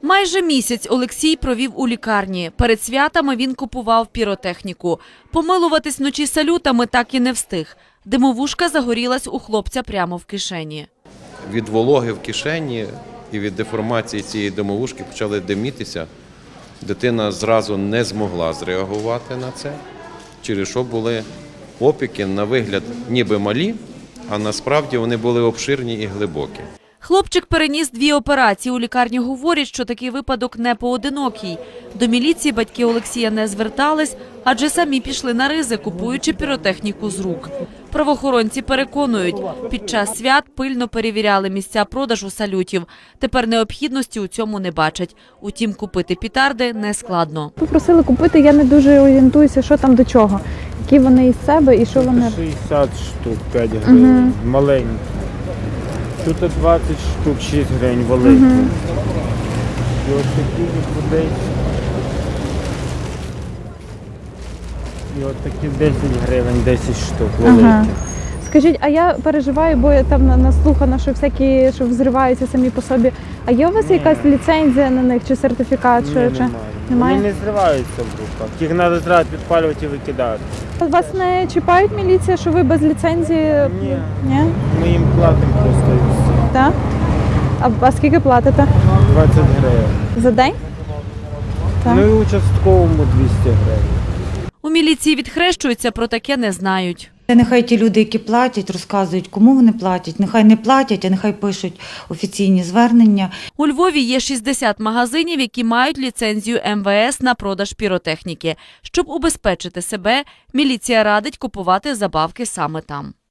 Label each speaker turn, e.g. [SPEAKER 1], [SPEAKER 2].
[SPEAKER 1] Майже місяць Олексій провів у лікарні. Перед святами він купував піротехніку. Помилуватись вночі салютами так і не встиг. Димовушка загорілась у хлопця прямо в кишені.
[SPEAKER 2] Від вологи в кишені і від деформації цієї димовушки почали димітися. Дитина зразу не змогла зреагувати на це, через що були опіки на вигляд ніби малі, а насправді вони були обширні і глибокі.
[SPEAKER 1] Хлопчик переніс 2 операції. У лікарні говорять, що такий випадок не поодинокий. До міліції батьки Олексія не звертались, адже самі пішли на ризик, купуючи піротехніку з рук. Правоохоронці переконують, під час свят пильно перевіряли місця продажу салютів. Тепер необхідності у цьому не бачать. Утім, купити петарди нескладно.
[SPEAKER 3] Попросили купити, я не дуже орієнтуюся, що там до чого. Які вони із себе і що вони...
[SPEAKER 4] 60 штук, 5 гривень, маленькі. Тут 20 штук, 6 гривень, великі. І ось такі по 10. І от такі 10 гривень, 10 штук, великі.
[SPEAKER 3] Скажіть, а я переживаю, бо я там наслухана, що всякі, що взриваються самі по собі. А є у вас якась ліцензія на них чи сертифікат?
[SPEAKER 4] Ні,
[SPEAKER 3] Чи...
[SPEAKER 4] немає. Вони не зриваються в руках. Їх треба зразу підпалювати і викидати.
[SPEAKER 3] Вас не чіпають міліція, що ви без ліцензії?
[SPEAKER 4] Ні.
[SPEAKER 3] Ні?
[SPEAKER 4] Ми їм платимо просто і все.
[SPEAKER 3] Так? А скільки платите?
[SPEAKER 4] 20 гривень.
[SPEAKER 3] За день? Так.
[SPEAKER 4] Ну і участковому 200 гривень.
[SPEAKER 1] У міліції відхрещуються, про таке не знають.
[SPEAKER 5] Нехай ті люди, які платять, розказують, кому вони платять. Нехай не платять, а нехай пишуть офіційні звернення.
[SPEAKER 1] У Львові є 60 магазинів, які мають ліцензію МВС на продаж піротехніки. Щоб убезпечити себе, міліція радить купувати забавки саме там.